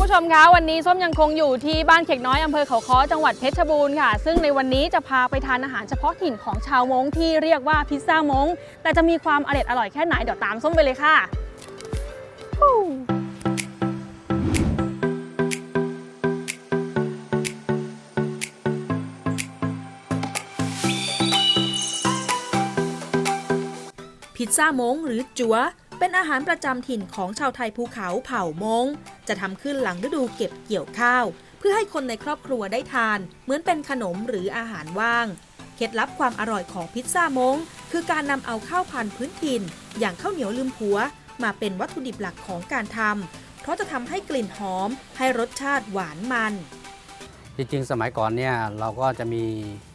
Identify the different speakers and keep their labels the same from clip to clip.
Speaker 1: ผู้ชมคะวันนี้ส้มยังคงอยู่ที่บ้านเขกน้อยอำเภอเขาค้อจังหวัดเพชรบูรณ์ค่ะซึ่งในวันนี้จะพาไปทานอาหารเฉพาะถิ่นของชาวม้งที่เรียกว่าพิซซ่าม้งแต่จะมีความอร่อยแค่ไหนเดี๋ยวตามส้มไปเลยค่ะ
Speaker 2: พิซซ่าม้งหรือจั๊วเป็นอาหารประจำถิ่นของชาวไทยภูเขาเผ่าม้งจะทำขึ้นหลังฤดูเก็บเกี่ยวข้าวเพื่อให้คนในครอบครัวได้ทานเหมือนเป็นขนมหรืออาหารว่างเคล็ดลับความอร่อยของพิซซ่าม้งคือการนำเอาข้าวพันธุ์พื้นถิ่นอย่างข้าวเหนียวลืมผัวมาเป็นวัตถุดิบหลักของการทำเพราะจะทำให้กลิ่นหอมให้รสชาติหวานมัน
Speaker 3: จริงๆสมัยก่อนเนี่ยเราก็จะมี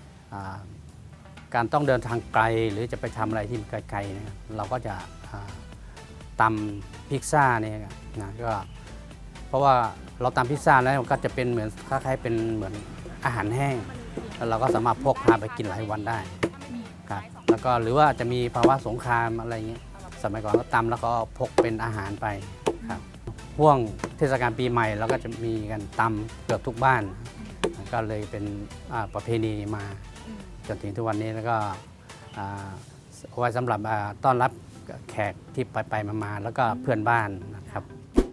Speaker 3: การต้องเดินทางไกลหรือจะไปทำอะไรที่ไกลๆนะครับเราก็จะตำพิซซ่าเนี่ยนะก็เพราะว่าเราตำพิซซ่าแล้วก็จะเป็นเหมือนคล้ายๆเป็นเหมือนอาหารแห้งแล้วเราก็สามารถพกพาไปกินหลายวันได้ครับแล้วก็หรือว่าจะมีภาวะสงครามอะไรเงี้ยสมัยก่อนก็ตำแล้วก็พกเป็นอาหารไปครับห่วงเทศกาลปีใหม่เราก็จะมีกันตำเกือบทุกบ้านก็เลยเป็นประเพณีมาจนถึงทุกวันนี้แล้วก็เอาไว้สำหรับต้อนรับแขกที่ไปมาแล้วก็เพื่อนบ้านนะครับ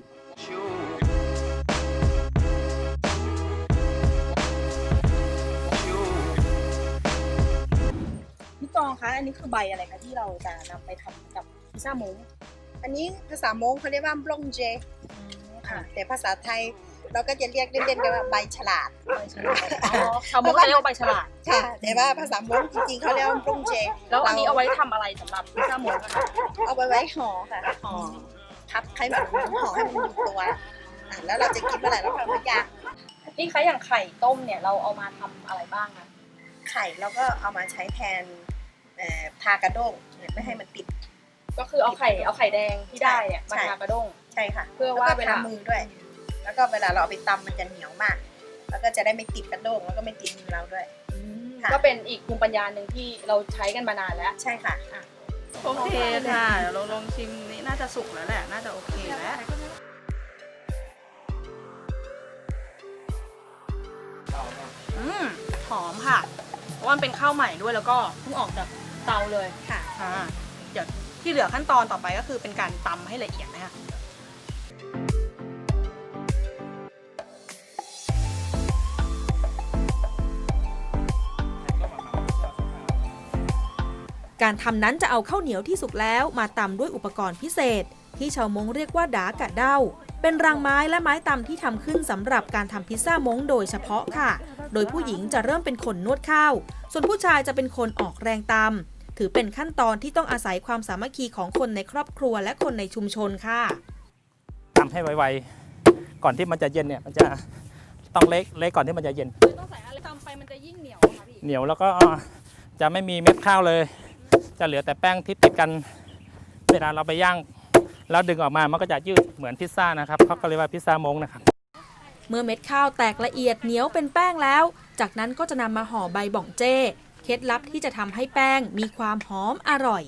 Speaker 1: พี่ตองคะอันนี้คือใบอะไรคะที่เราจะนำไปทำกับพิซซ่าม้ง
Speaker 4: อันนี้ภาษามงเขาเรียกว่าบลงเจค่ะแต่ภาษาไทยเราก็จะเรียกเล่นๆกันว่าใบฉลาด
Speaker 1: ชาวม้งเขาเรียกว่าใบฉลาด
Speaker 4: ค่ะแต่ว่าภาษามงจริงๆเขาเรียกว่าบลงเจ
Speaker 1: แล้วอันนี้เอาไว้ทำอะไรสำหรับพิซซ่าม้งคะ
Speaker 4: เอาไว้ห่อค่ะห่อทับให้มันห่อให้มันอยู่ตัวแล้วเราจะกินเมื่อไหร่เราก็เอามาย่าง
Speaker 1: นี่คะอย่างไข่ต้มเนี่ยเราเอามาทำอะไรบ้างคะ
Speaker 4: ไข่เราก็เอามาใช้แทนทากระด้งไม่ให้มันติด
Speaker 1: ก็คือเอาไข่แดงที่ได้เนี่ยมาทากระด้ง
Speaker 4: ใช่ค่ะ
Speaker 1: เพื่อว่าเวลา
Speaker 4: มือด้วยแล้วก็เวลาเราเอาไปตำมันจะเหนียวมากแล้วก็จะได้ไม่ติดกระด้งแล้วก็ไม่ติดมือเราด้วย
Speaker 1: ก็เป็นอีกภูมิปัญญาหนึ่งที่เราใช้กันมานานแล้ว
Speaker 4: ใช่ค่ะ
Speaker 1: โอเคค่ะเดี๋ยวเราลองชิมนี่น่าจะสุกแล้วแหละน่าจะโอเคแล้วหอมค่ะเพราะว่ามันเป็นข้าวใหม่ด้วยแล้วก็เพิ่งออกจากเตาเลย
Speaker 4: ค่ะ
Speaker 1: เดี๋ยวที่เหลือขั้นตอนต่อไปก็คือเป็นการตำให้ละเอียดนะคะ
Speaker 2: การทำนั้นจะเอาข้าวเหนียวที่สุกแล้วมาตำด้วยอุปกรณ์พิเศษที่ชาวม้งเรียกว่าดากะเด้าเป็นรางไม้และไม้ตำที่ทำขึ้นสำหรับการทำพิซซ่าม้งโดยเฉพาะค่ะโดยผู้หญิงจะเริ่มเป็นคนนวดข้าวส่วนผู้ชายจะเป็นคนออกแรงตำถือเป็นขั้นตอนที่ต้องอาศัยความสามัคคีของคนในครอบครัวและคนในชุมชนค่ะ
Speaker 5: ตำให้ไวๆก่อนที่มันจะเย็นเนี่ยมันจะต้องเละก่อนที่มันจะเย็น
Speaker 1: ต้องใส่อะไรตำไปมันจะยิ่งเหนียวค่ะพี่
Speaker 5: เหนียวแล้วก็จะไม่มีเม็ดข้าวเลยจะเหลือแต่แป้งที่ติดกันเวลาเราไปย่างแล้วดึงออกมามันก็จะยืดเหมือนพิซซ่านะครับเขาก็เรียกว่าพิซซ่ามงนะครับ
Speaker 2: เมื่อเม็ดข้าวแตกละเอียดเหนียวเป็นแป้งแล้วจากนั้นก็จะนำมาห่อใบบ่องเจ้เคล็ดลับที่จะทำให้แป้งมีความหอมอร่อย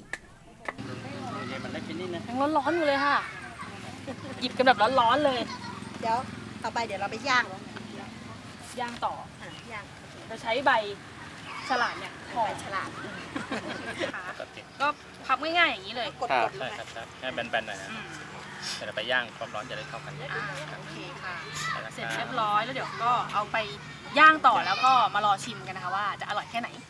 Speaker 1: ยังร้อนๆอยู่เลยค่ะหยิบกันแบบร้อนๆเลย
Speaker 4: เดี๋ยวต่อไปเดี๋ยวเราไปย่าง
Speaker 1: ต่
Speaker 4: ย่าง
Speaker 1: เราใช้ใบฉลาดเนี่ย
Speaker 4: ห่อฉลาด
Speaker 1: ก็พับง่ายๆอย่างนี้เลย
Speaker 4: กด
Speaker 5: ใช่ครับให้แบนๆหน่อยนะเดี๋ยวไปย่างความร้อนจะได้เข้ากัน
Speaker 1: โอเคค่ะเสร็จเรียบร้อยแล้วเดี๋ยวก็เอาไปย่างต่อแล้วก็มารอชิมกันนะคะว่าจะอร่อยแค่ไหน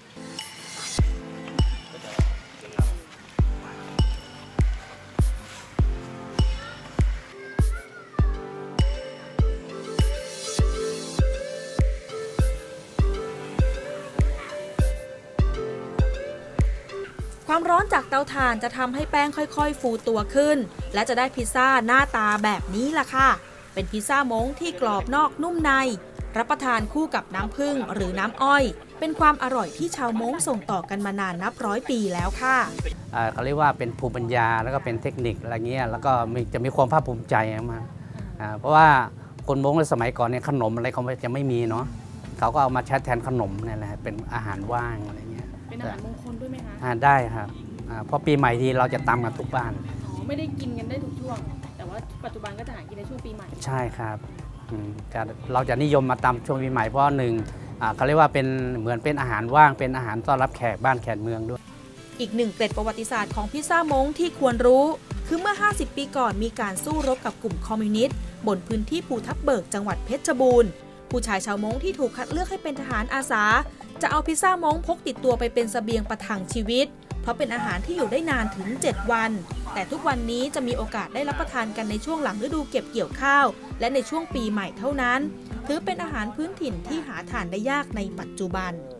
Speaker 2: ความร้อนจากเตาถ่านจะทำให้แป้งค่อยๆฟูตัวขึ้นและจะได้พิซซ่าหน้าตาแบบนี้ล่ะค่ะเป็นพิซซ่าม้งที่กรอบนอกนุ่มในรับประทานคู่กับน้ำผึ้งหรือน้ำอ้อยเป็นความอร่อยที่ชาวม้งส่งต่อกันมานานนับร้อยปีแล้วค่ะ
Speaker 3: เขาเรียกว่าเป็นภูมิปัญญาแล้วก็เป็นเทคนิคอะไรเงี้ยแล้วก็จะมีความภาคภูมิใจมากเพราะว่าคนม้งในสมัยก่อนเนี่ยขนมอะไรเขาจะไม่มีเนาะเขาก็เอามาใช้แทนขนมนี่แหละเป็นอาหารว่างอะไรเงี้ย
Speaker 1: เป็นอาหารมงคลด้วยไหมคะ
Speaker 3: ได้ครับเพราะปีใหม่ทีเราจะตำกันทุกบ้าน
Speaker 1: ไม่ได้กินกันได้ทุกช่วงแต่ว่าปัจจุบันก็จะหากินในช่วงปีใหม่
Speaker 3: ใช่ครับเราจะนิยมมาตำช่วงปีใหม่เพราะหนึ่งเขาเรียกว่าเป็นเหมือนเป็นอาหารว่างเป็นอาหารต้อนรับแขกบ้านแขกเมืองด้วย
Speaker 2: อีกหนึ่งเกร็ดประวัติศาสตร์ของพิซซ่ามงที่ควรรู้คือเมื่อ 50 ปีก่อนมีการสู้รบกับกลุ่มคอมมิวนิสต์บนพื้นที่ภูทับเบิกจังหวัดเพชรบูรณ์ผู้ชายชาวมงที่ถูกคัดเลือกให้เป็นทหารอาสาจะเอาพิซซ่ามงพกติดตัวไปเป็นเสบียงประทังชีวิตเพราะเป็นอาหารที่อยู่ได้นานถึง 7 วันแต่ทุกวันนี้จะมีโอกาสได้รับประทานกันในช่วงหลังฤดูเก็บเกี่ยวข้าวและในช่วงปีใหม่เท่านั้นถือเป็นอาหารพื้นถิ่นที่หาทานได้ยากในปัจจุบัน